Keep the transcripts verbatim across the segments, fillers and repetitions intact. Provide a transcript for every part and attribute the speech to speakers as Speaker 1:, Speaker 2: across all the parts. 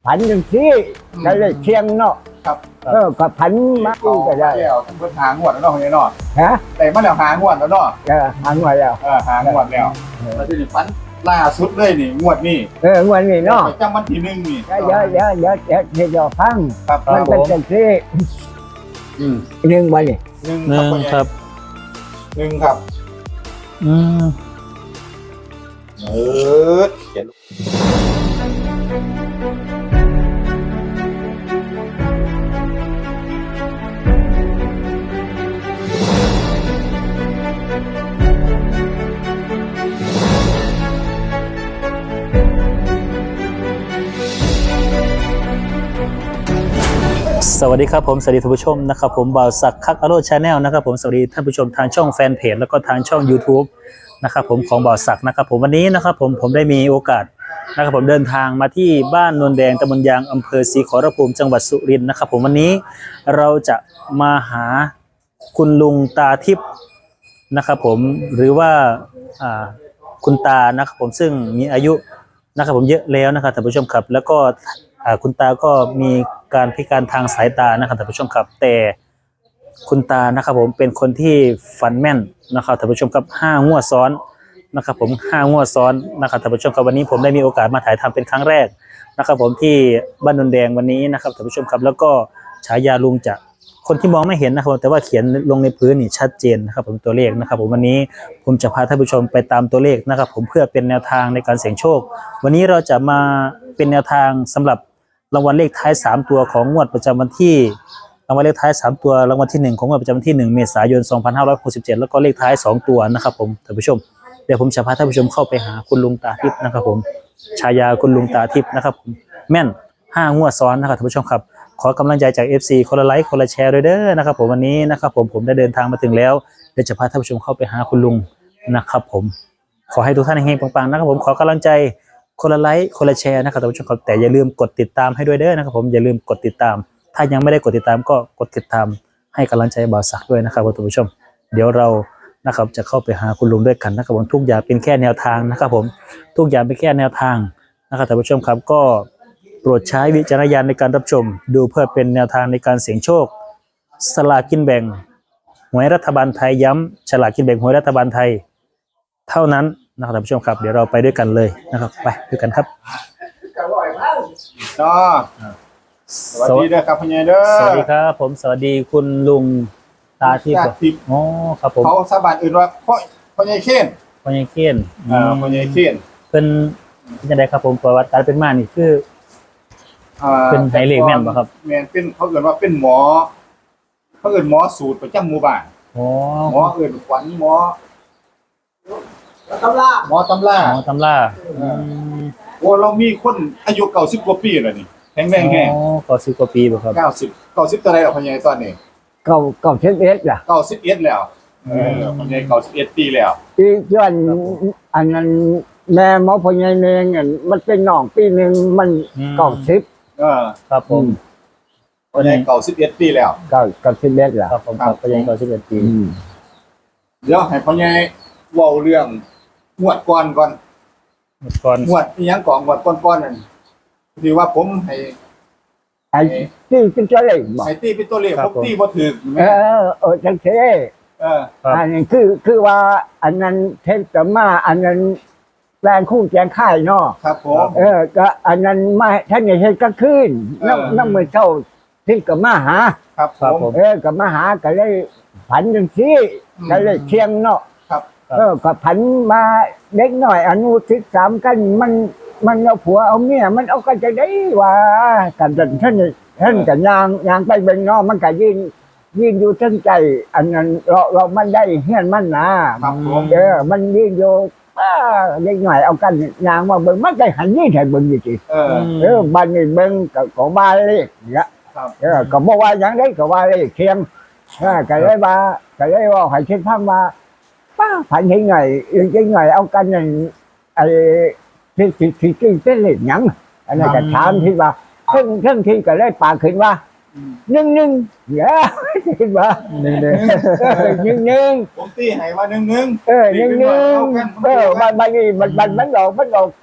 Speaker 1: ผันจังซี่ก็เลยเชียงเนาะ
Speaker 2: ครับ
Speaker 1: เออก็ผันมาอีกก็ได้
Speaker 2: แล้วเพิ่นหางวดแล้วเนาะเฮียเนาะ
Speaker 1: ฮะ
Speaker 2: แต่มาแล้วหางวดแล้วเนาะ
Speaker 1: เออหันมาแล้ว
Speaker 2: เออหางวดแล้วแล้วทีนี้ฟันล่าสุดเลยนี่งวดนี้
Speaker 1: เออวันนี้เนาะ
Speaker 2: ประจำวันที่หนึ่งนี่
Speaker 1: เดี๋ยวเดี๋ยวเดี๋ยวเดี๋ยวเดี๋ยวเดี๋ยวฟัง
Speaker 2: ครับ
Speaker 1: มันเป็นจังซี่
Speaker 2: อืม
Speaker 1: หนึ่งวันนี้
Speaker 2: หนึ่ง
Speaker 3: หนึ่ง
Speaker 2: พ่อใหญ่
Speaker 3: ครับ
Speaker 2: หนึ่งครับ
Speaker 3: อืม
Speaker 2: เออเขียน
Speaker 3: สวัสดีครับผมสวัสดีท่านผู้ชมนะครับผมบ่าวศักดิ์คักอโรชาแนลนะครับผมสวัสดีท่านผู้ชมทางช่องแฟนเพจแล้วก็ทางช่อง YouTube นะครับผมของบ่าวศักดิ์นะครับผมวันนี้นะครับผมผมได้มีโอกาสนะครับผมเดินทางมาที่บ้านนนแดงตำบลยางอำเภอศรีขอรภูมิจังหวัดสุรินทร์นะครับผมวันนี้เราจะมาหาคุณลุงตาทิพย์นะครับผมหรือว่าอ่าคุณตานะครับผมซึ่งมีอายุนะครับผมเยอะแล้วนะครับท่านผู้ชมครับแล้วก็อ่าคุณตาก็มีการพิการทางสายตานะครับท่านผู้ชมครับแต่คุณตานะครับผมเป็นคนที่ฝันแม่นนะครับท่านผู้ชมครับห้างวดซ้อนนะครับผมห้างวดซ้อนนะครับท่านผู้ชมครับวันนี้ผมได้มีโอกาสมาถ่ายทำเป็นครั้งแรกนะครับผมที่บ้านนนแดงวันนี้นะครับท่านผู้ชมครับแล้วก็ฉายาลุงจะคนที่มองไม่เห็นนะครับแต่ว่าเขียนลงในพื้นนี่ชัดเจนนะครับผมตัวเลขนะครับผมวันนี้ผมจะพาท่านผู้ชมไปตามตัวเลขนะครับผมเพื่อเป็นแนวทางในการเสี่ยงโชควันนี้เราจะมาเป็นแนวทางสำหรับรางวัลเลขท้ายสามตัวของงวดประจำวันที่รางวัลเลขท้ายสามตัวรางวัลที่หนึ่งของงวดประจำวันที่หนึ่งเมษายนสองพันห้าร้อยหกสิบเจ็ดแล้วก็เลขท้ายสองตัวนะครับผมท่านผู้ชมเดี๋ยวผมจะพาท่านผู้ชมเข้าไปหาคุณลุงตาทิพย์นะครับผมฉายาคุณลุงตาทิพย์นะครับผมแม่นห้างวดซ้อนนะครับท่านผู้ชมครับขอกำลังใจจาก เอฟ ซี คนละไลค์คนละแชร์ด้วยเด้อนะครับผมวันนี้นะครับผมผมได้เดินทางมาถึงแล้วเดี๋ยวจะพาท่านผู้ชมเข้าไปหาคุณลุงนะครับผมขอให้ทุกท่านเฮงๆปังๆนะครับผมขอกำลังใจคนละไลค์คนละแชร์นะครับท่านผู้ชมครับแต่อย่าลืมกดติดตามให้ด้วยเด้อนะครับผมอย่าลืมกดติดตามถ้ายังไม่ได้กดติดตามก็กดติดตามให้กำลังใจบ่าวศักดิ์ด้วยนะครับท่านผู้ชมเดี๋ยวเรานะครับจะเข้าไปหาคุณลุงด้วยกันนะครับผมทุกอย่างเป็นแค่แนวทางนะครับผมทุกอย่างเป็นแค่แนวทางนะครับท่านผู้ชมครับก็โปรดใช้วิจารณญาณในการรับชมดูเพื่อเป็นแนวทางในการเสี่ยงโชคสลากกินแบ่งหวยรัฐบาลไทยย้ำฉลากกินแบ่งหวยรัฐบาลไทยเท่านั้นนะครับท่านผู้ชมครับเดี๋ยวเราไปด้วยกันเลยนะครับไปด้วยกันครับ
Speaker 2: เนาะสวัสดีเด้อครับพ่อใหญ่เด้อ
Speaker 3: สวัสดีครับผมสวัสดีคุณลุงตาทิพย์
Speaker 2: ตาทิพย์
Speaker 3: อ๋อครับผม
Speaker 2: เขาสาบานอื่นว่าพ่อพ่อใหญ่เคน
Speaker 3: พ่อใหญ่เคียน
Speaker 2: อ่าพ่อใหญ่เคน
Speaker 3: เป็นยังไงครับผมประวัติการเป็นมานี่คือ
Speaker 2: อ่า
Speaker 3: เป็นไฮเลกแม่นบ่ครับ
Speaker 2: แม่นเป็นเขาเอิ้นว่าเป็นหมอเขาเอิ้นหมอสูตรประจำหมู่บ้าน
Speaker 3: อ๋อ
Speaker 2: หมอเอิ้นขวัญหมอตำราหมอตำรา
Speaker 3: อ๋อตำราอืม
Speaker 2: โอ้เรามีคนอายุเก้าสิบกว่าปีแล้วนี่แข็งแรงแฮง
Speaker 3: อ๋อก็สิบกว่าปีบ่ครับ
Speaker 2: เก้าสิบเก้าสิบเท่าไหร่แล้วพ่อใหญ่ตอนนี้
Speaker 1: เก่าเก่าเช็ดเอ็ดล่ะ
Speaker 2: เก้าสิบเอ็ดแล้วเออพ่อใหญ่เก้าสิบเอ็ดปีแล้ว
Speaker 1: อีกย้อนอันนั้นแม่หมอพญายเนงอันมันเป็นน้องปีหนึ่งมันเก่าสิบ
Speaker 2: เออ
Speaker 3: ครับผม
Speaker 2: พ่อใหญ่เก้าสิบเอ็ดปีแล้ว
Speaker 1: เก่าเก่าเช็ดเอ็ดล่ะ
Speaker 3: ครับผมครับพ่อใหญ่ก็สิบเอ็ดปี
Speaker 1: อืม
Speaker 2: เดี๋ยวให้พ่อใหญ่เว้าเรื่องงวดก่อนก่อน
Speaker 3: ก่อน
Speaker 2: งวดอีหยังก่อนงวดก่อนๆนั่นที่ว่าผมให้
Speaker 1: ไอ้ที่เป็นเจ้าเล่ห์บอก
Speaker 2: ให้ตีเป็นตัวเลขผมตีบ่ถูก
Speaker 1: เออเออจังเซ่
Speaker 2: เออ
Speaker 3: ครับ
Speaker 1: อันนี้คือคือว่าอันนั้นเทปจะมาอันนั้นแรงคู่แจงค่ายเนาะ
Speaker 2: ครับผม
Speaker 1: เออก็อันนั้นมาท่านอย่าเห็นก็ขึ้น
Speaker 2: เออ
Speaker 1: น้ำน้ำมือเจ้าที่กับมาหา
Speaker 2: ครับผ
Speaker 3: ครับ
Speaker 2: ม
Speaker 3: ผม
Speaker 1: เออกับมาหาก็เลยผันจังซี่
Speaker 2: อืม
Speaker 1: ก็เลยเชียงเนาะ
Speaker 2: ครับ
Speaker 1: เออก็ผันมาเด็กหน่อยอนุสิบสามกันมันมันเอาผัวเอาเมียมันเอากันจะได้ว่ากันจนท่านท่านกันยางยางไปเบิ่งเนาะมันก็ยืนยืนอยู่ทั้งใจ อันนั้นเราเรามันได้เฮียนมันนะครับ
Speaker 2: ผม
Speaker 1: เออมันยืนอยู่ป้าเด็กหน่อยเอากันยางมาเบิ่งมันได้หันนี่ให้เบิ่งอยู่สิ
Speaker 2: เออ
Speaker 1: เออบ้านนี่เบิ่งก็ก็ว่าเลขเนี่ย
Speaker 2: ครับ
Speaker 1: เออก็บ่ว่าหยังได้ก็ว่าเลขเคียงเออก็เลยว่าก็เลยว่าให้คิดพังว่าป้าผันเห็นไงเองจังไงเอากันนั่นไอ้ที่ที่ที่ที่เป็นเลขหยังอันนั้นก็ถามที่ว่าเพิ่งเพิ่งที่ก็เลยปากขึ้นว่า
Speaker 2: อืม
Speaker 1: หนึ่งหนึ่งเย้คิดว่า
Speaker 3: หนึ่งเดือน
Speaker 1: เออหนึ่งหนึ่ง
Speaker 2: ผมตีให้ว่าหนึ่งหนึ่ง
Speaker 1: เออหนึ่งหนึ่งเออมันมันนี่มันมันมันออกมันออก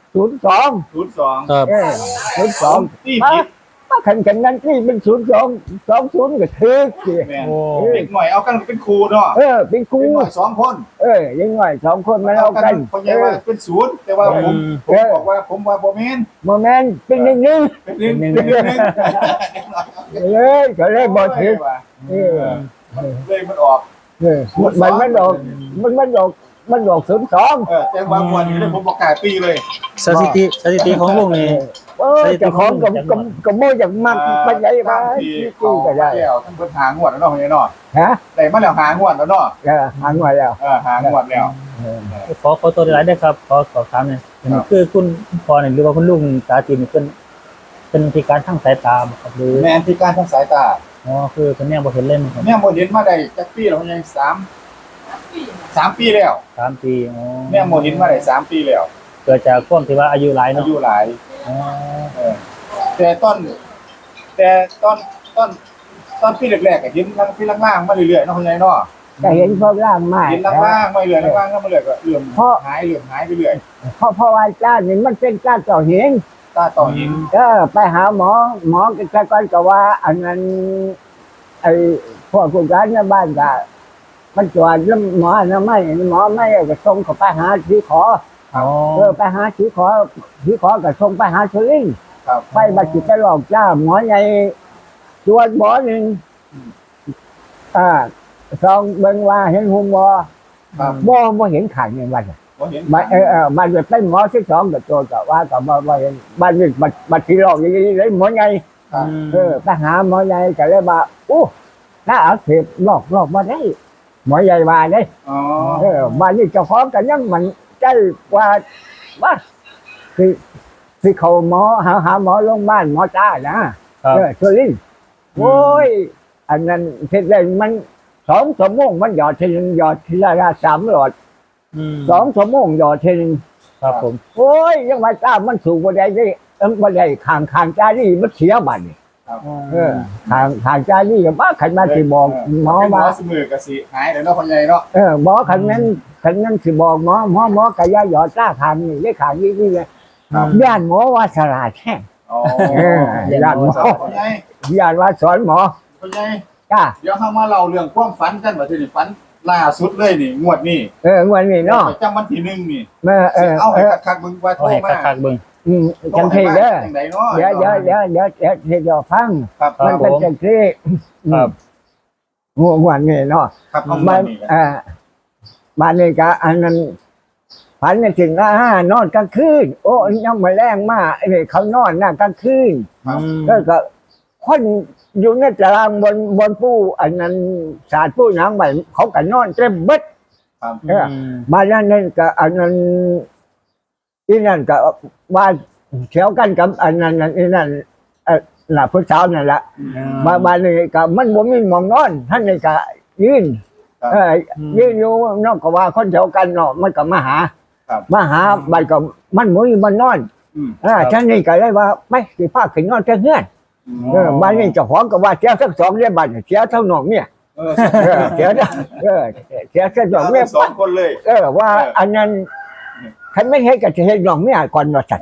Speaker 1: ศูนย์สอง
Speaker 2: ศูนย์สอง
Speaker 3: ครับ
Speaker 1: เออศูนย์สอง
Speaker 2: ที่
Speaker 1: มา
Speaker 2: ผิด
Speaker 1: มาขันกันนั้นที่เป็นศูนย์สองสองศูนย์ก็ถือสิ
Speaker 2: แม่น
Speaker 3: โอ้
Speaker 2: เด็กหน่อยเอากันเป็นครูเนาะ
Speaker 1: เออเป็นครู
Speaker 2: เด็กหน่อยสองคน
Speaker 1: เออยังไงสองคนมาเอากัน
Speaker 2: คนใหญ่ว่าเป็นศูนย์แต่ว่าผมผมบอกว่าผมว่าบ่แม่น
Speaker 1: โมเมนต์เป็นหนึ่งหนึ่ง
Speaker 2: เป็นหนึ่งเป็นหนึ่ง
Speaker 1: เลยก็เลยบอถือเออ
Speaker 2: เลยมันออก
Speaker 1: เออมันมันดอกมันมันดอกมันดอกศูนย์สอง
Speaker 2: เออแต่ว่าวันนี้เลยผมประกาศตีเลย
Speaker 3: สถิติสถิติของลุงนี่
Speaker 1: เออเจะของกับกับกับโมจากมักไปใหญ่มา
Speaker 2: ที่
Speaker 1: ที่
Speaker 2: เขา
Speaker 1: ก็ได้
Speaker 2: แล้วท่านเพิ่นหางวดแล้วเนาะพี่เนาะ
Speaker 1: ฮะ
Speaker 2: แต่มาแล้วหางวดแล้วเนาะ
Speaker 1: เออหางไว้แล้ว
Speaker 2: เออหางวดแล้ว
Speaker 3: ขอขอตัวหลายได้ครับขอสอบถามหน่อยคือคุณพ่อเนี่ยหรือว่าคุณลุงตาจีนเป็นเป็นพิการทางสายตาบ่ครับหรือ
Speaker 2: แม่นพิการทางสายตา
Speaker 3: อ๋อคือเป็นแนวบ่เห็นเล่นครับ
Speaker 2: แม่โมเห็นมาได้จักปีแล้วยังสามสามปีแล้ว
Speaker 3: สามปีอ๋อ
Speaker 2: แม่โมเห็นมาได้สามปีแล้ว
Speaker 3: เกิดจากความที่ว่าอายุหลาย
Speaker 2: อา
Speaker 3: เนาะ
Speaker 2: ยุหลาย
Speaker 3: อ๋อ
Speaker 2: เออแต่ต้นแต่ต้นต้นต้นปีแรกๆก็เห็นลังปีล่างๆมาเรื่อยๆเนาะคุณยายเนาะ
Speaker 1: ก็เห็นพวกร่างมาก
Speaker 2: เห็นล่างๆมาเรื่อยๆล่างๆก็มาเรื่อยก็เลื่อมหายเลื่อมหายไปเรื่อย
Speaker 1: เพราะเพราะว่าจ้านี่มันเป็นจ้าต่อเห็น
Speaker 2: ตาต่อหิน
Speaker 1: ก็ไปหาหมอหมอก็ก่อนก็ว่าอันนั้นไอ้พวกผู้การในบ้านก็มันตรวจแล้วหมอนะไม่หมอไม่ก็ส่งเขาไปหาที่ขอ
Speaker 3: อ๋อ
Speaker 1: เออไปหาที่ขอที่ขอก็ส่งไปหาสุรินทร์
Speaker 2: ครับ
Speaker 1: ไปบัดจิตไปหลอกจ้าหมอใหญ่ตรวจหมอหนึ่งอ่าสองเบิ่งว่าเห็นหุ่มบ่
Speaker 2: ครับ
Speaker 1: บ่บ่เห็นขันในวัน
Speaker 2: บ่เห็น
Speaker 1: บัดเออเออบัดเป็นหมอที่สองก็ตัวก็ว่าก็บ่บ่เห็นบัดนี้บัดบัดที่หลอกอย่างนี้เลยหมอใหญ่
Speaker 2: ครับ
Speaker 1: เออไปหาหมอใหญ่ก็เลยว่าอู้ถ้าเอาเสพหลอกหลอกมาได้หมอใหญ่ว่าได้
Speaker 2: อ๋อ
Speaker 1: เออบ้านนี้เจ้าของกันยังมันใจกว่าว่าคือคือเขาหมอหาหาหมอโรงพยาบาลหมอจ้านะครับ เออสุรินทร์โอ้ยอันนั้นเสร็จเลยมันสองชั่วโมงมันหยอดทีนึงหยอดทีละละสามหลอด
Speaker 3: อืม
Speaker 1: สองชั่วโมงหยอดทีนึง
Speaker 3: ครับผม
Speaker 1: โอ้ยยังมาจ้ามันสูงบ่ได้ได้เออบ่ได้ข้างข้างจ้านี่มันเสียบัดนี่
Speaker 2: ครับ
Speaker 1: เออข้างข้างจ้านี่ก็มาขันมาสิบอกหมอ
Speaker 2: เป็นหม
Speaker 1: ว่า
Speaker 2: อสมือก็สิหายแล้วเนาะคุณยายเนาะ
Speaker 1: เออหมอขันนั้นขันนั้นสิบอกหมอหมอหมอกะยาหยอดจ้าข้างนี่ได้ข้างนี้นี่เลย
Speaker 2: ครับ
Speaker 1: ย่านหมอว่าสลาดแท้
Speaker 2: อ๋อ
Speaker 1: เออย่านหมอ
Speaker 2: คุณยาย
Speaker 1: ย่านว่าสอนหมอ
Speaker 2: คุณยาย
Speaker 1: จ้า
Speaker 2: เดี๋ยวเฮามาเล่าเรื่องความฝันกันว่าที่นี่ฝันล่าสุดเลยนี่งวดนี้
Speaker 1: เออวันนี้เนาะ
Speaker 2: ประจำวันที่หนึ่งนี่
Speaker 1: เออเออ
Speaker 2: เอา
Speaker 1: เอ
Speaker 2: ให้
Speaker 1: อ
Speaker 2: คักๆเบิ่งว่าโท
Speaker 3: เอา
Speaker 2: ร
Speaker 3: ให้
Speaker 2: มา
Speaker 3: คักๆเบิ่ง
Speaker 1: อืมจังทีเด้อ
Speaker 2: จังไดเนาะ
Speaker 1: เดี๋ยวเดี๋ยวเดี๋ยวเดี๋ยวเดี๋ยวเดี๋ยวเดี๋ยวฟัง
Speaker 2: ครับ
Speaker 3: ครั
Speaker 1: มั
Speaker 3: บ
Speaker 1: นเป็นจังที
Speaker 3: ครับ
Speaker 1: ง่วงวันนี้เนาะ
Speaker 2: ครับเอา
Speaker 1: มั
Speaker 2: มาน นี่
Speaker 1: เอ่าบ้านนี้ก็อันนั้นฝันในสิ่งละห้านอนกลางคืนโอ้ยังมาแรงมากไอ้นี่เขานอนหน้ากลางคืน
Speaker 2: ครับ
Speaker 1: ก็ก็คนอยู่ในตารางบนบนผู้อันนั้นศาสตร์ผู้หนังใหม่เขาก็นอนเต็มเบิด
Speaker 2: ครับ
Speaker 1: เออ บ้านนั้นนั่นก็อันนั้นอีนั่นก็ว่าเฉียวกันกับอันนั้นนั่นอีนั่นเออน่ะผู้สาวนั่นแหละ บ้านบ้านนี้ก็มันบ่มีหมองนอนท่านนี่ก็ยืน
Speaker 2: ครับ
Speaker 1: เออยืนอยู่นอกก็ว่าคนเดียวกันเนาะมันก็มาหา
Speaker 2: ครับ
Speaker 1: มาหาบ้านก็มันบ่มีมันนอน
Speaker 2: อืม
Speaker 1: อ่าท่านนี่ก็เลยว่าไม่สิพาขึ้นนอนแต่เฮือนเออบ้านนี้เจ้าของก็ว่าเสียทั้งสองเรียบ้านเสียทั้งน้องเนี่ย
Speaker 2: เออ
Speaker 1: เออเสียทั้งเออเสียทั้งสอง
Speaker 2: เอา
Speaker 1: เนี่ย
Speaker 2: สองคนเลย
Speaker 1: เออว่าอันนั้นคันไม่เฮ็ดก็จะเฮ็ดน้องเมียก่อนว่าซั่น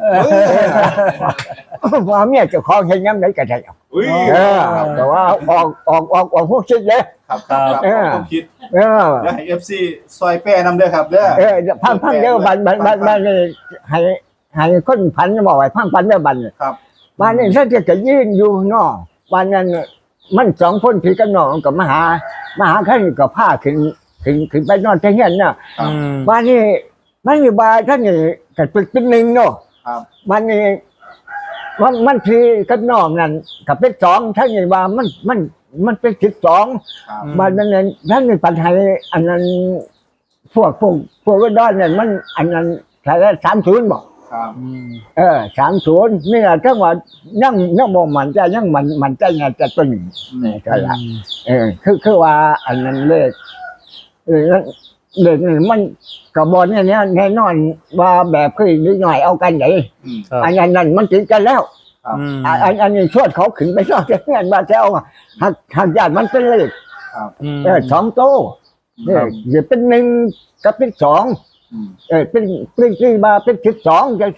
Speaker 1: ว่าเมียเจ้าของเฮ็ดยามใดก็ได้
Speaker 2: อุ้ย
Speaker 1: เออแต่ว่าออกออกออกออกพวกคิดเลย
Speaker 2: ครับครับครับ
Speaker 1: เออ
Speaker 2: ผมคิด
Speaker 1: เออ
Speaker 2: แล้วให้ เอฟ ซี ซอยแป้นำเด้อครับเด้อ
Speaker 1: เออพังพังเด้อบันบันบันบันนี่ให้ให้คนพันบอกไว้พังพันเด้อบัน
Speaker 2: ครับ
Speaker 1: บ้านนี้ถ้าจะจะยืนอยู่เนาะบ้านนั้นมันสองคนพี่กับน้องกับมาหามาหาท่านก็พาขึ้นขึ้นขึ้นไปนอนที่เฮียนน่ะ
Speaker 3: อืม
Speaker 1: บ้านนี้มันมีบาท่านนี่ก็เป็นเป็นหนึ่งเนาะ
Speaker 2: ครับ
Speaker 1: บ้านนี้มันมันพี่กับน้องนั่นก็เป็นสองท่านนี่ว่ามันมันมันเป็นสิบสอง
Speaker 2: ครับ
Speaker 1: บ้านนั้นท่านมีปัญหาอันนั้นพวกพวกพวกก็ด้านเนี่ยมันอันนั้นใช้ได้สามศูนย์บอก
Speaker 2: ครับ
Speaker 3: อืม
Speaker 1: เออสามศูนย์นี่แหละถ้าว่ายังยังบ่มันใจยังมันมันใจไงจะตัวนี้นี่ก็ละเออคือคือว่าอันนั้นเลขเออเลขนี่มันกระบอกเนี่ยเนี่ยแน่นอนว่าแบบคือนิดหน่อยเอากันไหน
Speaker 2: อืม
Speaker 3: ครับ
Speaker 1: อันนั้นนั่นมันติดกันแล้ว
Speaker 2: ครับ
Speaker 3: อืม
Speaker 1: อันอันอันนี้ชวดเขาขึ้นไปชอบจะเงี้ยมาแซวหักหักญาติมันเป็นเลข
Speaker 2: ครับ
Speaker 3: อืม
Speaker 1: เออสองโต้เอออย่าเป็นหนึ่งกับเป็นสอง
Speaker 2: อืม
Speaker 1: เออเป็นเป็นที่มาเป็นสิบสองอย่างที่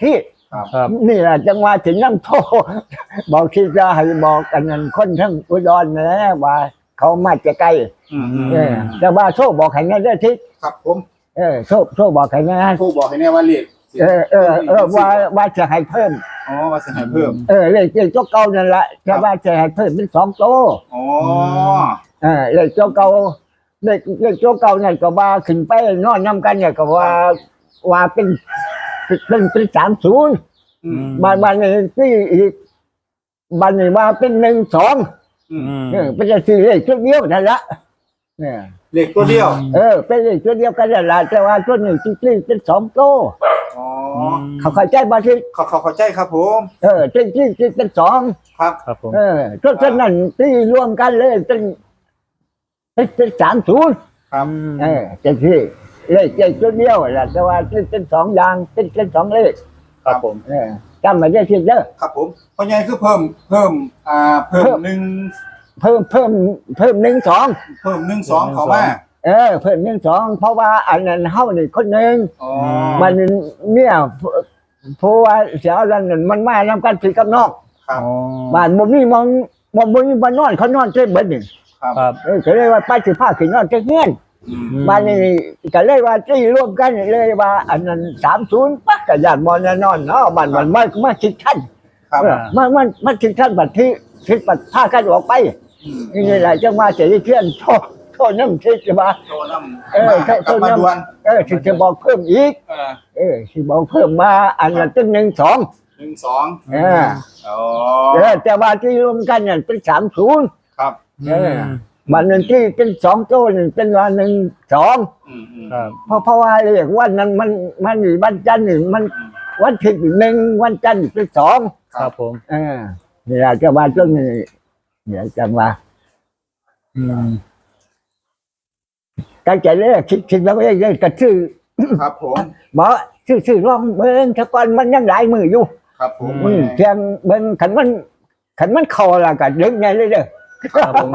Speaker 2: ครับ
Speaker 3: ครับ
Speaker 1: นี่แหละจังหวะถึงน้ำโท บอกที่จะให้บอกกันนั้นคนทั้งอุดรนะว่าเขามาจะใกล้
Speaker 2: อืมอืม
Speaker 1: เออแต่ว่าโชคบอกให้แน่ได้ทิศ
Speaker 2: ครับผม
Speaker 1: เออโชคโชคบอกให้แน่
Speaker 2: โทรบอกให้แน่ว่าเลข
Speaker 1: เออเออเออว่าว่าจะให้เพิ่ม
Speaker 2: อ๋อว่าสิให้เพิ่ม
Speaker 1: เออเลขเลขเจ้าเก่านั่นแหละแต่ว่าจะให้เพิ่มเป็นสองโต
Speaker 2: อ๋อ
Speaker 1: เออเลขเจ้าเก่าเลขเลขเจ้าเก่านั่นก็ว่าขึ้นไปนอนนํกันเนี่ยก็ว่าว่าเป็นเป็นเป็นสามศูนย์
Speaker 2: อืม
Speaker 1: บานบานนี้ที่อีกบานนี้ว่าเป็นหนึ่งสอง
Speaker 2: อืม
Speaker 3: อืม
Speaker 1: เออเป็นสี่เลขชุดเดียวนั่นละเนี่ย
Speaker 2: เลขตัวเดียว
Speaker 1: เออเป็นเลขชุดเดียวกันนั่นละแต่ว่าตัวนี้ที่ที่เป็นสองโต
Speaker 2: อ๋อ
Speaker 1: เขาเข้าใจบ่ที่
Speaker 2: เขาเขาเข้าใจครับผม
Speaker 1: เออที่ที่ที่เป็นสอง
Speaker 2: ครับ
Speaker 3: ครับผม
Speaker 1: เออตัวฉะนั้นที่รวมกันเลยเป็นเป็นเป็นสามศูนย์
Speaker 2: ครับ
Speaker 1: เออจะที่เลขเลขชุดเดียวแหละแต่ว่าเป็นเป็นสองอย่างเป็นเป็นสองเลข
Speaker 3: ครับผม
Speaker 1: เออจำไม่ได้ทีเด้อ
Speaker 2: ครับผมเพราะไงคือเพิ่มเพิ่มอ่าเพิ่มหนึ่ง
Speaker 1: เพิ่มเพิ่มเพิ่มหนึ่งสอง
Speaker 2: เพิ่มหนึ่งสองเข้ามา
Speaker 1: เออเพิ่มหนึ่งสองเพราะว่าอันนั้นเฮานี่คนหนึ่ง
Speaker 2: อ๋อ
Speaker 1: มันเนี่ยเพราะว่าเสียแล้วนั่นมันมานำกันผิดกับนอก
Speaker 2: ครับ
Speaker 3: อ๋อ
Speaker 1: บ้านบ่มีมองบ่บ่มีบ้านนอนเขานอนเต็มเบิดนี่
Speaker 2: ครับ
Speaker 3: ครับ
Speaker 1: เออก็เลยว่าไปสิพาขึ้นนอนเต็มเฮือน
Speaker 2: อืม
Speaker 1: บ้านนี้ก็เลยว่าที่รวมกันเลยว่าอันนั้นสามศูนย์ปักก็ญาติบ่แน่นอนเนาะบ้านมันมามาคิดทัน
Speaker 2: ครับ
Speaker 1: เออมันมันมันคิดทันบัดที่คิดบัดพากันออกไป
Speaker 2: อืม
Speaker 1: นี่แหละจังว่าเสียเทียนโทษโทษน้ำคิดว่า
Speaker 2: โทรน้ำ
Speaker 1: เออ
Speaker 2: มา
Speaker 1: โทร
Speaker 2: กลับมา
Speaker 1: น้ำ
Speaker 2: ด่วน
Speaker 1: เออที่จะบอกเพิ่มอีก
Speaker 2: เออ
Speaker 1: เออที่บอกเพิ่มมาอันนั้นเป็นหนึ่งสอง
Speaker 2: หนึ่งสอง
Speaker 1: เออ
Speaker 2: อ๋อ
Speaker 1: เออแต่ว่าที่รวมกันเนี่ยเป็นสามศูนย์
Speaker 2: ครับ
Speaker 1: เออมันหนึ่งที่เป็นสองโต้นี่เป็นวันหนึ่งสอง
Speaker 2: อืมอืม
Speaker 3: ครับ
Speaker 1: เพราะเพราะว่าเรียกวันนั้นมันมันอยู่วันจันทร์นี่มันวันที่หนึ่งวันจันทร์เป็นสอง
Speaker 3: ครับผม
Speaker 1: เออนี่แหละจะว่าช่วงนี้เนี่ยจังว่า
Speaker 3: อืม
Speaker 1: การใจเลยคิดคิดแล้วเองเลยก็ชื่อ
Speaker 2: ครับผม
Speaker 1: บอกชื่อชื่อร้องเบิ้งถ้าก่อนมันยังหลายมืออยู่
Speaker 2: ครับผม
Speaker 1: อืมเพียงเบิ้งขันมันขันมันคอละกันดึงไงเลยเด้อ
Speaker 3: ครับผม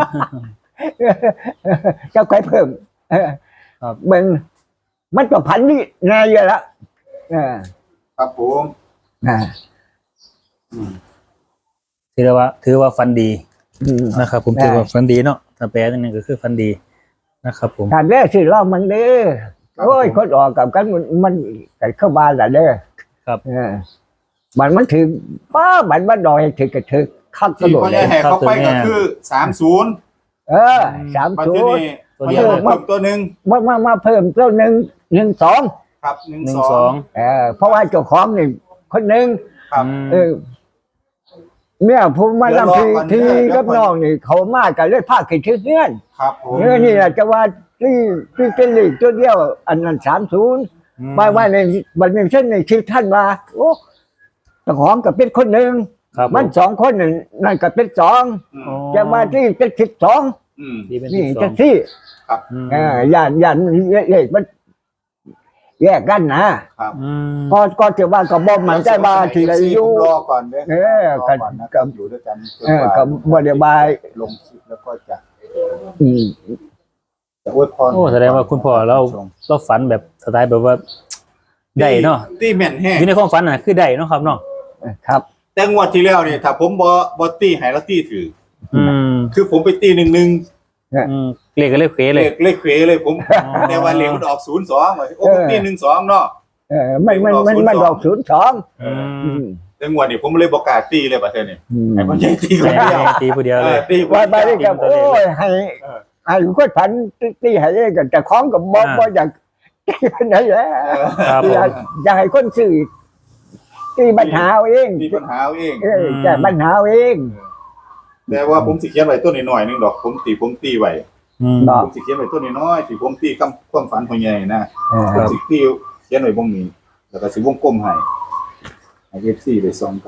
Speaker 1: เจ้าใครเพิ่มเออ
Speaker 3: ครับ
Speaker 1: เบิ้งมันก็พันนี่นายอยู่ละเออ
Speaker 2: ครับผม
Speaker 1: อ่า
Speaker 2: อืม
Speaker 3: ถือว่าถือว่าฟันดี
Speaker 1: อืม
Speaker 3: นะครับ ผม
Speaker 1: ได้
Speaker 3: ถือว่าฟันดีเนาะถ้าแปลนั่นนึงก็คือฟันดีนะครับ ผม
Speaker 1: การเด้อชื่อร้องมันเด้อโอ้ยคนออกกับกันมันมันกันเข้าบ้านละเด้อ
Speaker 3: ครับ
Speaker 1: เออมันมันถึงป้ามันมันดอยถึงกระถึกขับกระ
Speaker 2: ที่
Speaker 1: โดด
Speaker 2: พ่อ
Speaker 1: เล
Speaker 2: ใหญ่
Speaker 1: ย
Speaker 2: แห่เขาไปก็คือสามศูนย์
Speaker 1: เออสาม
Speaker 2: มา
Speaker 1: ศู
Speaker 2: ที่
Speaker 1: นย์
Speaker 2: นี่
Speaker 3: ตัว
Speaker 2: พ่อ
Speaker 3: เดี
Speaker 2: ให
Speaker 3: ย
Speaker 2: ญ่
Speaker 3: ว
Speaker 2: เพิ่มตัวหนึ่ง
Speaker 1: มามามาเพิ่มตัวหนึ่งหนึ่งสอง
Speaker 2: ครับหนึ่ง
Speaker 3: หนึ่ง
Speaker 2: สอ
Speaker 3: สอง ง
Speaker 1: เออเพราะว่าเจ้าของนี่คนหนึ่ง
Speaker 2: ครับ
Speaker 1: เออเนี่ยผมมา
Speaker 2: เดี๋ยว
Speaker 1: ทำ
Speaker 2: รอ
Speaker 1: ที
Speaker 2: ก่อน
Speaker 1: ที
Speaker 2: เดี๋ยว
Speaker 1: กับ
Speaker 2: ก่อน
Speaker 1: น้องนี่เขามากันเลยพาขึ้นชื่อเงื่อน
Speaker 2: ครับผม
Speaker 1: เออนี่แหละจะว่าที่ที่เป็นลีกตัวเดียว อันนั้นสามศูนย์มาว่าในบันเป็นเช่นในชื่อท่านว่าโอ้เจ้าของก็เป็นคนหนึ่ง
Speaker 3: ครับ
Speaker 1: มันสองคนนั่นนั่นก็เป็นสอง
Speaker 2: อืม
Speaker 3: อ๋อ
Speaker 1: จะมาที่เป็นสิบสอง
Speaker 2: อืม
Speaker 3: ดีเป็น
Speaker 1: นี่
Speaker 3: สิบสอ
Speaker 1: จะ
Speaker 3: ง
Speaker 1: ที่
Speaker 3: อืม
Speaker 1: เออย่านย่านเลขมันแยกกันนะครับ
Speaker 3: อืม
Speaker 1: ก็ก็จะว่าก็บ่มันใจว่าที่ไรอยู่
Speaker 2: ผมรอก่อนเด้อ
Speaker 1: เออ
Speaker 2: รอ
Speaker 1: กัน
Speaker 2: ก่อนนะค
Speaker 1: กั
Speaker 2: รับบ อยู่ด้วยกันจน
Speaker 1: เออก
Speaker 2: ว่า
Speaker 1: ก็บ่ได้บาย
Speaker 2: ลงคลิปแล้วก็จะ
Speaker 1: อืม
Speaker 2: จะอวยพร
Speaker 3: โอ้แสดงว่าคุณพ่อเราเราฝันแบบสไตล์แบบว่าได้เนาะ
Speaker 2: ตีแม่นแห้ง
Speaker 3: อยู่ในความฝันน่ะคือได้เนาะครับเนาะ
Speaker 1: ครับ
Speaker 2: แต่งวดที่แล้วนี่ถ้าผมบ่บ่ตีให้แล้วตีถือ
Speaker 3: อืม
Speaker 2: คือผมไปตีหนึ่งหนึ่ง
Speaker 3: อืมเลขก็เลขเขว
Speaker 2: เล
Speaker 3: เลย
Speaker 2: ขเลขเขวเลยผม แต่ว่าเลขมันออกศูนย์สองโอ้ผมตีหนึ่งสองเนาะ
Speaker 1: เออมันมันมันมันดอกศูนย์สอง
Speaker 3: อื
Speaker 1: อื
Speaker 3: ม
Speaker 1: ม
Speaker 2: แต่งวดนี้ผมเลยบ่กล้าตีเลยประเทศนี้
Speaker 1: อืม
Speaker 2: ให้มันใหญ่ตีคน
Speaker 3: แม่
Speaker 2: เดียว
Speaker 3: ตีผู้เดียว
Speaker 2: เอ
Speaker 3: เล
Speaker 2: อย ตีคน
Speaker 1: ว่าไป
Speaker 2: เดี
Speaker 1: ได้
Speaker 2: ยว
Speaker 1: กับโอ้ยให้ให้คนผันตีให้เองกันแต่ของกับบ่บ่อยากตีคนไหนแหละ
Speaker 2: เออ
Speaker 3: ครับผ
Speaker 1: อยาก
Speaker 3: ม
Speaker 1: อยากให้คนสื่อตีปัญหาเอาเอง
Speaker 2: มีปัญหาเอาเอง
Speaker 1: เออแก้ปัญหาเอาเอง
Speaker 2: แต่ว่าผมสิเขียนไว้ตัวน้อยๆนึงดอกผมตีผมตีไว้
Speaker 3: อืม
Speaker 2: ผมสิเขียนไว้ตัวน้อยๆที่ผมตีคำความฝันของใหญ่นะ
Speaker 1: เออ
Speaker 2: ผมสิตีเขียนไว้บ่งนี้แล้วก็สิวงกลมให้ให้ เอฟ ซี ไปส่องกัน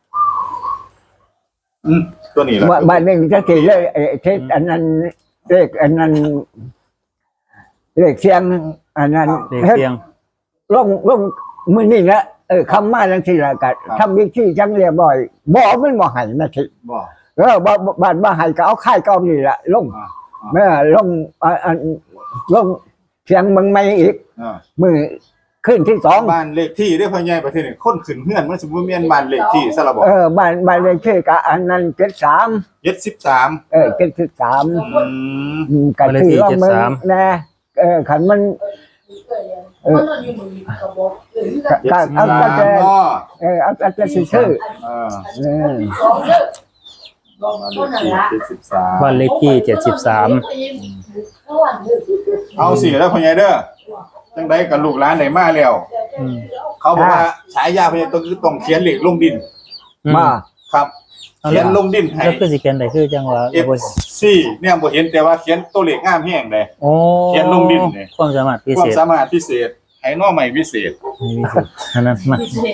Speaker 2: อืมตัวนี้ล่ะ
Speaker 1: ว่าบ้านหนึงจะสิเลยเออเทศอันนั้นเลขอันนั้นเลขเสียงอันนั้น
Speaker 3: เลขเสียง
Speaker 1: ลงลงมื้อนี้ละเออคำมาจังซี่ล่ะก็ทำวิธีจังเรียบร้อยบ่มันบ่ให้นะสิ
Speaker 2: บ่
Speaker 1: เออบ่บ่บ้านบ่ให้ก็เอาค่ายเก่านี่ล่ะลง
Speaker 2: อ่า
Speaker 1: แม่ลงอ่าอันลงเสียงเมืองใหม่อีก
Speaker 2: อ่า
Speaker 1: มือขึ้นที่สอง
Speaker 2: บ้านเลขที่ได้พ่อใหญ่ประเทศนี่คนขึ้นเฮือนมันสิบ่แม่นบ้านเลขที่ซะละบ่
Speaker 1: เออบ้านบ้านเลขที่ก็อันนั้นเจ็ดสาม
Speaker 2: เจ็ดสิบสาม
Speaker 1: เออเจ็ดสิบสาม
Speaker 2: อืม
Speaker 1: อืมก็ถือว่ามันนะเออขันมันเออก็เอาก็จะ
Speaker 2: อ๋อ
Speaker 1: เออเอาก็จะชื่อ
Speaker 2: เออ
Speaker 1: เออ
Speaker 2: เจ็ดสิบสาม
Speaker 3: บ้านเลขที่เจ็ดสิบสาม
Speaker 2: เอาสิแล้วพ่อใหญ่เด้อจังได๋กับลูกหลานได้มาแล้ว
Speaker 3: อืม
Speaker 2: เขาบอกว่าฉายาพ่อใหญ่ต้องคือต้องเขียนเลขลงดิน
Speaker 1: มา
Speaker 2: ครับ
Speaker 3: เอา
Speaker 2: เขี
Speaker 3: แล้
Speaker 2: ยนลงดินให้
Speaker 3: แล้วคือสิเขียนได้คือจังว่า
Speaker 2: เอฟซีเนี่ยบ่เห็นแต่ว่าเขียนตัวเลขงามแฮงเลย
Speaker 3: โอ้
Speaker 2: เขียนลงดินนี่
Speaker 3: ความสามารถพิ
Speaker 2: ควา
Speaker 3: เศ
Speaker 2: ม
Speaker 3: ษ
Speaker 2: สามารถพิเศษให้น้อใหม่พิเศษ
Speaker 3: มีพิเศษอันนั้นมา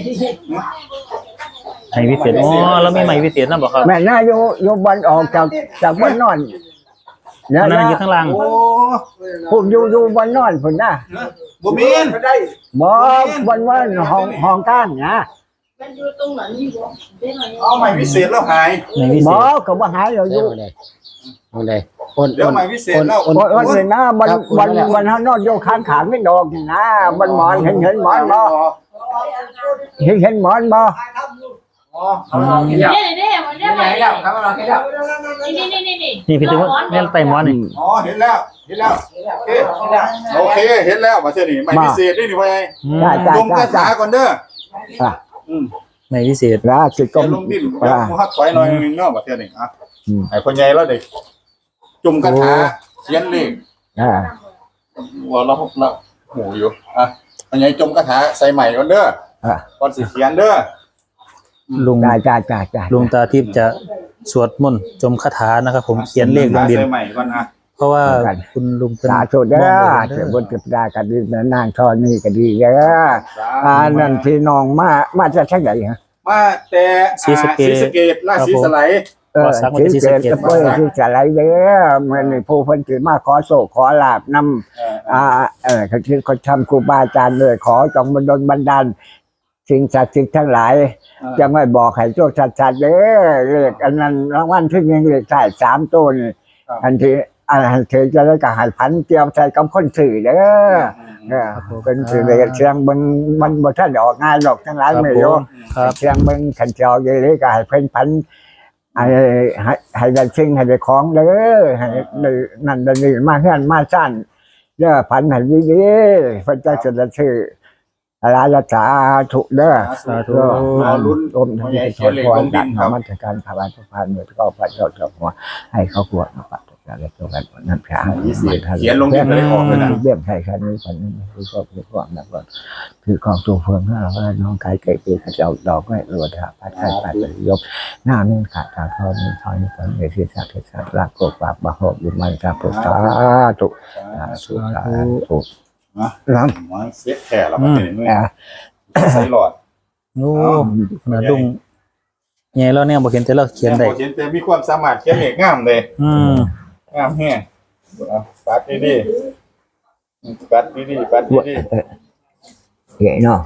Speaker 3: ไม้พิเศษอ๋อแล้วมีไม้พิเศษนั่นบ่ครับ
Speaker 1: แม่น่าอยู่อยู่บนออกจากจากบนนอนเนี่ย
Speaker 3: อันนั้น
Speaker 1: นะ
Speaker 3: อยู่ข้างล่าง
Speaker 2: โอ้
Speaker 1: พุ่นอยู่อยู่บนนอนพุ่นนะ
Speaker 2: บ่แม่น
Speaker 1: บ่บนว่าห้องห้องก้างนะ
Speaker 4: มันอยู่ตรงไหนนี่บ่ได้ไหม
Speaker 2: เอาใหม่พิเศษแล้วหาย
Speaker 3: ไม้พิเศ
Speaker 1: บ่
Speaker 3: ษ
Speaker 1: ก็บ่หายเราอยู่
Speaker 5: เอาเลยโอน
Speaker 2: เดี๋ยวใหม่พิเศษแล้ว
Speaker 5: โอน
Speaker 1: บ่
Speaker 5: โอ
Speaker 1: วัน นนี้นะบนบนบนเฮานอนอยู่ข้างขางไม่ดอกนี่นะบนหมอนเห็นเห็นหมอนบ่เห็นเห็นหมอนบ่
Speaker 2: อ๋อ
Speaker 4: เด้เด้มันได้ไหมแล้วครับเราแค่แล้วนี่นี่นี่นี่
Speaker 3: นี่พี่ถึงว่าเนี่ยไต่หมอนนี่
Speaker 2: อ๋อเห็นแล้วเห็นแล้วโอเคโอเคเห็นแล้วมาเท่านี้ใหม่พิเศษนี่นี่พ่อใหญ่
Speaker 3: อืม
Speaker 1: ได้จ้า
Speaker 2: ลงก
Speaker 1: จ้า
Speaker 2: ระ
Speaker 1: จ้า
Speaker 2: ถาก่อนเด้อ
Speaker 1: อ่ะ
Speaker 2: อืม
Speaker 3: ไม้พิเศษ
Speaker 1: แล้วสิก
Speaker 2: เขี
Speaker 1: ร
Speaker 2: ยน
Speaker 1: ม
Speaker 2: ลงดินเดี๋ยวมูฮักถอยหน่อยนึงเนาะมาเท่านี้อ่ะ
Speaker 1: อืม
Speaker 2: ให้พ่อใหญ่แล้วเด็กจุ่มกระถาเขียนเลข
Speaker 1: อ่า
Speaker 2: ว่าเราเราหูอยู่อ่ะพ่อใหญ่จมกระถาใส่ใหม่ก่อนเด้อ
Speaker 1: อ่ะ
Speaker 2: ก่อนสิเขียนเด้อ
Speaker 3: ลุง
Speaker 1: จ้าจ้าจ้าจ้า
Speaker 3: ลุงตาทิพย์จะสวดมนต์จมคาถานะครับผมเขียนเลขลงดิน
Speaker 2: ใส่ใหม่ก่อนอ่ะ
Speaker 3: เพราะว่าคุณลุงเพิ่น
Speaker 1: สาธุเด้อ
Speaker 3: มอง
Speaker 1: เจ้า
Speaker 3: เห็น
Speaker 1: บ
Speaker 3: เด้อน
Speaker 1: จิตดาก็ดีแม่นางทอนี่ก็ดีเด้ออ่านั่นพี่น้องมามาจากทางไหนฮะ
Speaker 2: มาแต่อ่าศรีสะเกษราชสีสไลด์
Speaker 1: เออที่เกิดจะเปิดที่จะไหลเด้อมันนี่ผู้เพิ่นสิมาขอโศกขอลาบนำ
Speaker 2: เอ่อ
Speaker 1: อ่าเออเขาที่เขาทำครูบาอาจารย์เลยขอจงบันดลบันดาลสิ่งศักดิ์สิทธิ์ทั้งหลาย จะไม่บอกให้โชคชัดๆเด้อเลขอันนั้นรางวัลที่หนึ่งเลขท้ายสามตัวนี่อันที่อันเธอจะได้กับหายพันเตรียมใส่กับคนสื่อเด้อเออเป็นสื่อเลยเชียงเบิงมันบ่ทันได้ออกงานหรอกทั้งหลาย
Speaker 3: ครับ
Speaker 1: ไม่
Speaker 3: ผ
Speaker 1: รู้
Speaker 3: มครับ
Speaker 1: เชียงเบิงขันเจอเยเลยก็ให้เพิ่นพันให้ให้ให้ได้สิ่งให้ได้ของเด้อให้ได้นั่นได้นี่มาเฮือนมาซ่านเด้อพันให้ดีๆเพิ่นจะจะได้ชื่ออะไรละสาธุเด้อ
Speaker 2: สาธุ
Speaker 1: ก็
Speaker 2: รอลุ้น
Speaker 1: รวมทั้งที่ถอนพรจากธรรมะการภาวะทุกพันเมื่อก็พระเจ้าเจ้าหัวให้เขาขวดมาปัดอะไรตัวกันนั่นแค่
Speaker 2: เขียนลงดินเลยออกเลยนะ
Speaker 1: เบี้ยมไทยคันนี้คนนี้คือก็คือความนักว่าคือกองตัวเฟืองห้าว่าน้องกายเกิดเป็นเจ้าดอกไม่รวดหาพัดไทยพัดยกหน้านุ่นขาดตาทอนี่ทอยนี่คนเอชิสัตเทสัตลากโกปากบาหอบยุมันกาปุตตาตุสาธุสาธุ
Speaker 2: นะ
Speaker 1: น้
Speaker 2: มาเสียแค่แล้วมาเป็น
Speaker 1: ำอ่า
Speaker 2: ใส่หลอด
Speaker 3: โอ้ขนาดลุงใหญ่แล้วเนี่ยบ่เขียนแต่เราเขียนได้
Speaker 2: เขียนแต่มีความสามารถเขียนเลขงามเลย
Speaker 3: อืม
Speaker 2: งามแฮ่เอาปัดดีๆปัดดีๆปัดดี
Speaker 1: เห็นเนาะ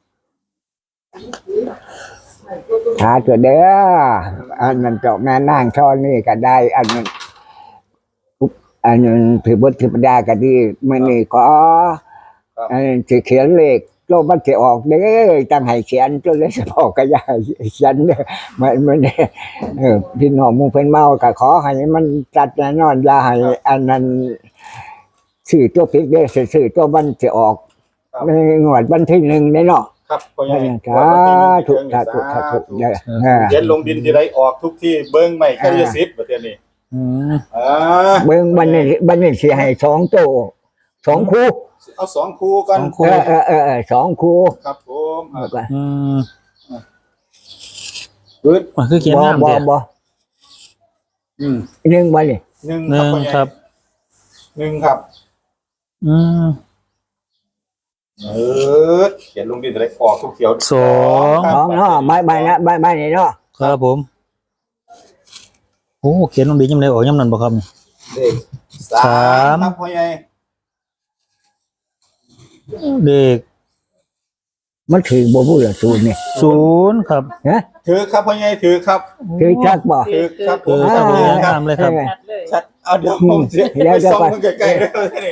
Speaker 1: ถ้าเกิดเด้ออันนั้นเจ้าแม่นางช่อนี่ก็ได้ อันนั้นอันนั้นถือบทถือปดาก็ดีมันนี่ขออันนั้นจะเขียนเลขโลกมันจะออกเด้อตั้งให้เขียนจนเลยจะบอกก็ยายเขียนเด้อมันมันเออพี่น้องมุงเพิ่นเมาก็ขอให้มันจัดแน่นอนอย่าให้อันนั้นสื่อตัวพิกเด้อสื่อตัวมันจะออกในงวดวันที่หนึ่งในเนาะ
Speaker 2: ๆครับพ่อใหญ่
Speaker 1: สาธุสาธุสาธุเด้อ
Speaker 2: เขียนลงดินที่ไรออกทุกที่เบิ้งใหม่ก็จะสิบประเทศนี้
Speaker 3: อืม
Speaker 2: อ่า
Speaker 1: เบิ่งบันนี้บันนี้สิให้สองโตสองคู่
Speaker 2: เอาสองคู่กัน
Speaker 1: เออเออเออเออสองคู่
Speaker 2: ครับผมอ่ะ
Speaker 3: อืม
Speaker 2: ปึ๊ด
Speaker 3: มันคือเขียน
Speaker 1: บ่
Speaker 3: งาม
Speaker 1: บ่
Speaker 3: เด้
Speaker 1: บ่
Speaker 2: อืม
Speaker 1: หนึ่งบันนี้
Speaker 2: หนึ่ง
Speaker 3: หนึ่ง
Speaker 2: พ่อใหญ่
Speaker 3: ครับ
Speaker 2: หนึ่งครับ
Speaker 3: อืม
Speaker 2: เออเขียนลงดินอะไรออกทุกเขียว
Speaker 3: สอง
Speaker 1: สองเนาะใบใบนะใบใบนี่เนาะ
Speaker 3: ครับผมโอ้เขียนลงดียำเลยออกยำนั้นบ่ครับ
Speaker 2: เลขสาม
Speaker 3: สาม
Speaker 2: ครับพ่อใหญ่
Speaker 3: เด็ก
Speaker 1: มันถือบ่พูดละศูนย์นี่
Speaker 3: ศูนย์ครับ
Speaker 1: ฮะ
Speaker 2: ถือครับพ่อใหญ่ถือครับ
Speaker 1: ถือจักบ่
Speaker 2: ถือครับผ
Speaker 3: เอ
Speaker 2: ม
Speaker 3: อครับเขียนงามเลยครับ
Speaker 4: ชัดเลย
Speaker 2: ชัดเอาเดี๋ยวผมเสีย
Speaker 1: เดี๋ยว
Speaker 2: ไป
Speaker 1: เดี๋ยว
Speaker 2: ส่อง
Speaker 1: ก่อน
Speaker 2: มันใกล้ๆเลยนี่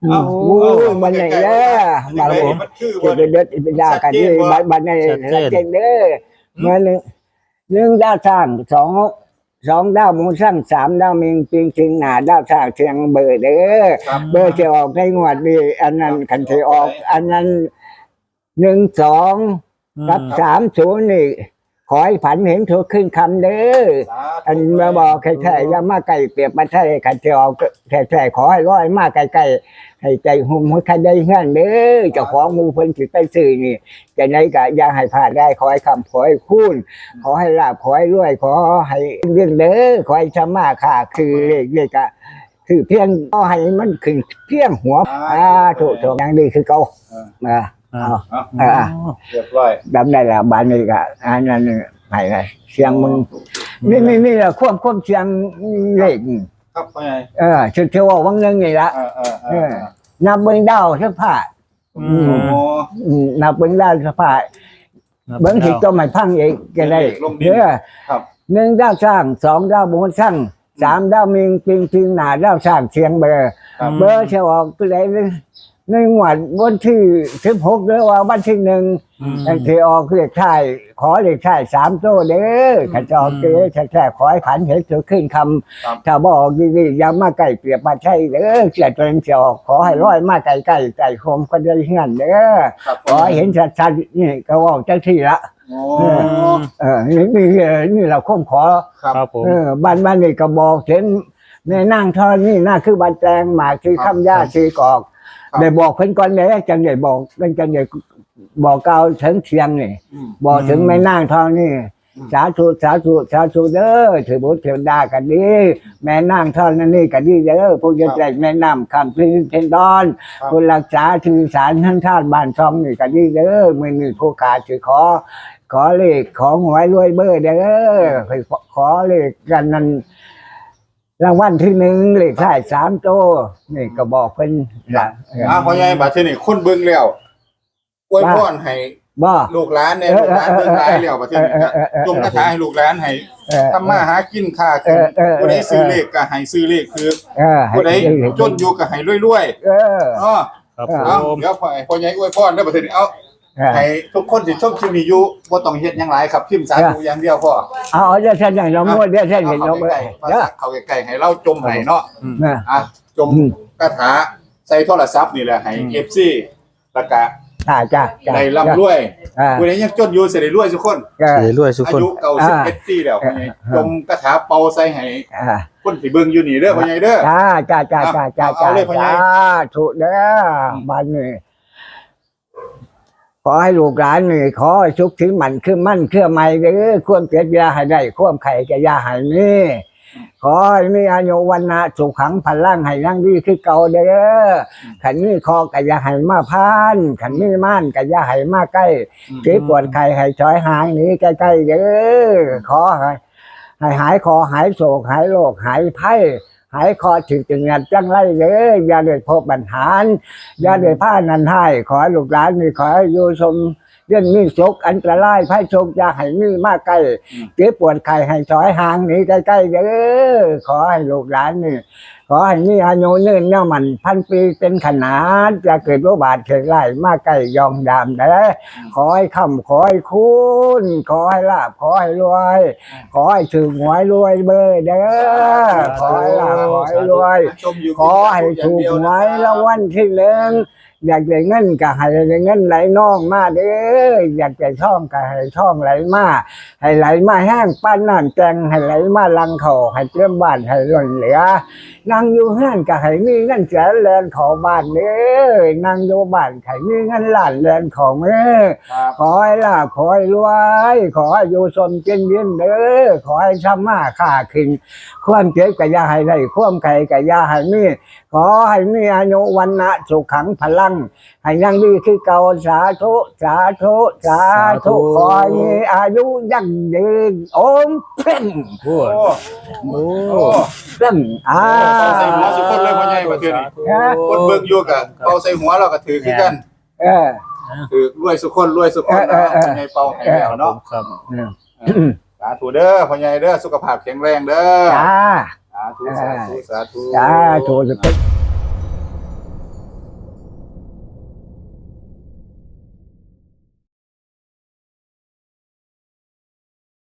Speaker 2: เอ้า
Speaker 1: โอ้ยมันไหนเด้อมาผม
Speaker 2: มันคือ
Speaker 1: จะ
Speaker 2: ว่า
Speaker 1: ไปเด็ดไปด่ากันที่บ้านบ้านในเจนเด้อเมื่อหนึ่งหนึ่งดาวสร้างสองสองดาวมูสร้างสามดาวมิงปิงชิงหนาดาวสร้างเชียงเบอร์เด้อ
Speaker 2: ครับ
Speaker 1: เบอร์จะออกในงวดนี้อันนั้นคันจะออก อันนั้นหนึ่งสองกับสามศูนย์นี่ขอให้ผันเห็นถูกขึ้นคำเด้อ อันมาบอกแค่แค่ยามาไก่เปรียบมาใช่ขันเจียวแค่แค่ขอให้ร้อยมาไก่ไก่ให้ใจหุ่มหัวใครได้เงื่อนเด้อเจ้าของมูเพิ่นสิไปซื้อนี่จะไหนก็อย่าให้พลาดได้ขอให้คำขอให้คูณขอให้ลาบขอให้รวยขอให้เรื่องเด้อขอให้ชำมาค่ะคือเลขเลขอะคือเพียงขอให้มันขึ้นเพียงหัวอ่าถูกถูกอย่างดีคือเก่าอ่าเอา
Speaker 2: เอา
Speaker 1: อ่า
Speaker 2: เรียบร้อย
Speaker 1: ดำได้ละบ้านนี้ก็อันนั้นให้ไงเสียงมึงนี่นี่นี่แหละควบควบเสียงเลข
Speaker 2: ครับพ่อใหญ่
Speaker 1: เออเชื่อเชื่อว่าวังนึงนี่ละ
Speaker 2: เออเออเอ
Speaker 1: เอ
Speaker 2: อ
Speaker 1: อนับเบิ้งดาวสักผ้า
Speaker 2: โอ้
Speaker 1: อืมนับเบิ้งดาวสักผ้าเบิ้งที่ต้มให้พังอีกก็ได้เออ
Speaker 2: ครับ
Speaker 1: หนึ่งดาวสร้างสองดาวบนสร้างสามดาวมิงปิงปิงหนาดาวสร้างเชียงเบอร์
Speaker 2: ครับ
Speaker 1: เบอร์เชียวออกตัวไหนในงวดวันที่สิบหกหรือว่าวันที่หนึ่ง อันที่ออกเลขท้ายขอเลขท้ายสามโต้เด้อขันจะออกเด้อแท้ๆขอให้ขันเห็นถือขึ้นคำถ้าบอกดีๆอย่ามาไก่เปรียบมาใช่เด้อเสียตัวเองจะออกขอให้ร้อยมาไก่ไก่ไก่โคมก็ได้เงี้ยเด้อ
Speaker 2: ครับ
Speaker 1: ขอให้เห็นชัดๆนี่ก็ว่าเจ้าที่ละ
Speaker 2: โอ้
Speaker 1: เออนี่นี่นี่เราค้มขอ
Speaker 3: ครับผม
Speaker 1: เออบ้านบ้านนี่ก็บอกเห็นแม่นั่งทอดนี่น่าคือบันแตงหมากคือคำย่าคือกอกได้บอกเพิ่นก่อนเด้จังได้บอกกันจังได้บอกเก่าถึงเชียงนี่
Speaker 2: อืม
Speaker 1: บอกถึงแม่นางทองนี่สาธุสาธุสาธุเด้อถือบุตรเทวดากันดีแม่นางทองนั่นนี่กันดีเด้อพวกจะแจกแม่น้ำคำพิเทนดอนคนรักษาถือสารท่านชาติบ้านช่องนี่กันดีเด้อมือนี่ผู้ขาถือขอ ขอเลขของหวยรวยเบอร์เด้อขอเลขกันนั้นรางวัลที่หนึ่งเลขท้ายสามโตนี่ก็บอกเพิ่นละ
Speaker 2: อ่าพ่อใหญ่บัดเทอนี่คนเบิ่งแล้วอวยพรให้
Speaker 1: บ่
Speaker 2: ลูกหลานเนี่ยลูกหลานเบิ่งหลายแล้วบัดเทอนี่ก็จงกระถาให้ลูกหลานให้
Speaker 1: เออ
Speaker 2: ทำมาหากินค่าขึ้นผู้ใดซื้อเลขก็ให้ซื้อเลขคือ
Speaker 1: เออให้
Speaker 2: ผู้ใดจนอยู่ก็ให้รวย
Speaker 1: เออ
Speaker 2: ๆอ๋อ
Speaker 3: ครับ
Speaker 2: เอา
Speaker 3: ผม
Speaker 2: เดี๋ยวพ่อพ่อใหญ่อวยพรเด้อบัดเทอนี่เอา
Speaker 1: เออ
Speaker 2: ให้ทุกคนที่ชมคลิปนี้อยู่บ่ต้องเฮ็ดหยังหลายครับพิมพ์สาธุอย่างเดียวพอ
Speaker 1: เอาเอาเดี๋ยวฉันอย่างเรามั่วเดี๋ยวฉันเห็นเรา
Speaker 2: เข้า
Speaker 1: เมื่อ
Speaker 2: ใกล้ๆภา
Speaker 1: เด้อ
Speaker 2: ษาเข้าใกล้ๆให้เราจมให้เนาะ
Speaker 1: นะ
Speaker 2: อ่ะจมคาถาใส่โทรศัพท์นี่แหละให้ เอฟ ซี แล้วก็
Speaker 1: จ้าจ้าจ้า
Speaker 2: ได้ร่ำรวย
Speaker 1: อ่า
Speaker 2: ผู้ใดยังจนอยู่สิได้รวยทุกคน
Speaker 1: ก็
Speaker 3: เสียรวยทุก
Speaker 2: อา
Speaker 3: คน
Speaker 2: ยุเก่าสิบเอ็ดปีแล้วพ่อใหญ่จมคาถาเป่าใส่ให้
Speaker 1: อ่า
Speaker 2: คนที่เบิ่งอยู่นี่เด้อพ่อใหญ่เด้อ
Speaker 1: จ้าจ้าจ้าจ้าจ้า
Speaker 2: เอา
Speaker 1: จ้า
Speaker 2: เลยพ่อใหญ่
Speaker 1: จ้าถูกเด้อบ้านนี่ขอให้ลูกหลานนี่ขอให้สุขถึงมันคือมั่นเครือไม่เด้อควมเจ็บยาให้ได้ควมไข่จะยาให้มีขอให้มีอายุวันนะสุขขังพลังให้นั่งดีคือเก่าเด้อขันนี้คอกะยาให้มาพานขันนี้ม่านกะยาให้มาใกล้เจ็บปวดไข่ให้ช้อยหางหนี้ใกล้ๆเด้อขอให้ให้หายคอหายโศกหายโรคหายไข้หายคอถึงจึงงันจังไรเลยอย่าได้พบปัญหาอย่าได้ผ้านันให้ขอให้ลูกหลานนี่ขอให้อยู่ชมเรื่องมีสุขอันตรายไพ่ชกอย่าให้มีมากใกล้เจ็บปวดไข้ให้ถอยห่างหนีใกล้ๆเด้อขอให้ลูกหลานนี่ขอให้มีอายุยืนยาวมันพันปีเป็นขนาดจะเกิดโรคบาดเจ็บไล่มากใกล้ยองดามเด้อขอให้คำขอให้คุณขอให้ลาบขอให้รวยขอให้ถึงหวยรวยเบอร์เด้อขอให้ลาบขอให้รวย
Speaker 2: ชมอยู่
Speaker 1: ขอให้ถูกหวยรางวัลที่หนึ่งอยากได้เงินก็ให้ได้เงินไหลน่องมาเด้ออยากได้ท่องก็ให้ท่องไหลมาให้ไหลมาแห้งปั้นน้ำแจงให้ไหลมาลังเขาให้เตรียมบ้านให้ล้นเหลือนั่งอยู่ห้านก็ให้มีเงินแสนแลนของบ้านเด้อนั่งอยู่บ้านให้มีเงินล้านแลนของเด้อ
Speaker 2: ครับ
Speaker 1: ขอให้ลาภขอให้รวยขอให้อยู่สมเจนเย็นเด้อขอให้ทำมาค้าขึ้นความเจ็บก็อย่าให้ได้ความไข่ก็อย่าให้มีขอให้มีอายุวันนะสุขขังพลังให้ยังดีคือเก่าสาธุสาธุสาธุขอให้มีอายุยั่งยืนโอมเพ่ง
Speaker 3: โอ้
Speaker 2: โอ้
Speaker 3: โอ้
Speaker 2: โอ้
Speaker 1: เพ่งอ่า
Speaker 2: เป่าใส่หัวสุกคนเลยพ่อใหญ่บัดเทอนี่คนเบิ่งอยู่ก็เป่าใส่หัวเราก็ถือคือกัน
Speaker 1: เออ
Speaker 2: ถือรวยสุกคนรวยสุกคน
Speaker 1: เออเออเออ
Speaker 2: พ่อใหญ่เป่าให้แล้วเนาะ
Speaker 3: ครับ
Speaker 2: สาธุเด้อพ่อใหญ่เด้อสุขภาพแข็งแรงเด้อ
Speaker 1: จ้า
Speaker 2: สาธุสาธุสาธุ
Speaker 1: จ้าถูก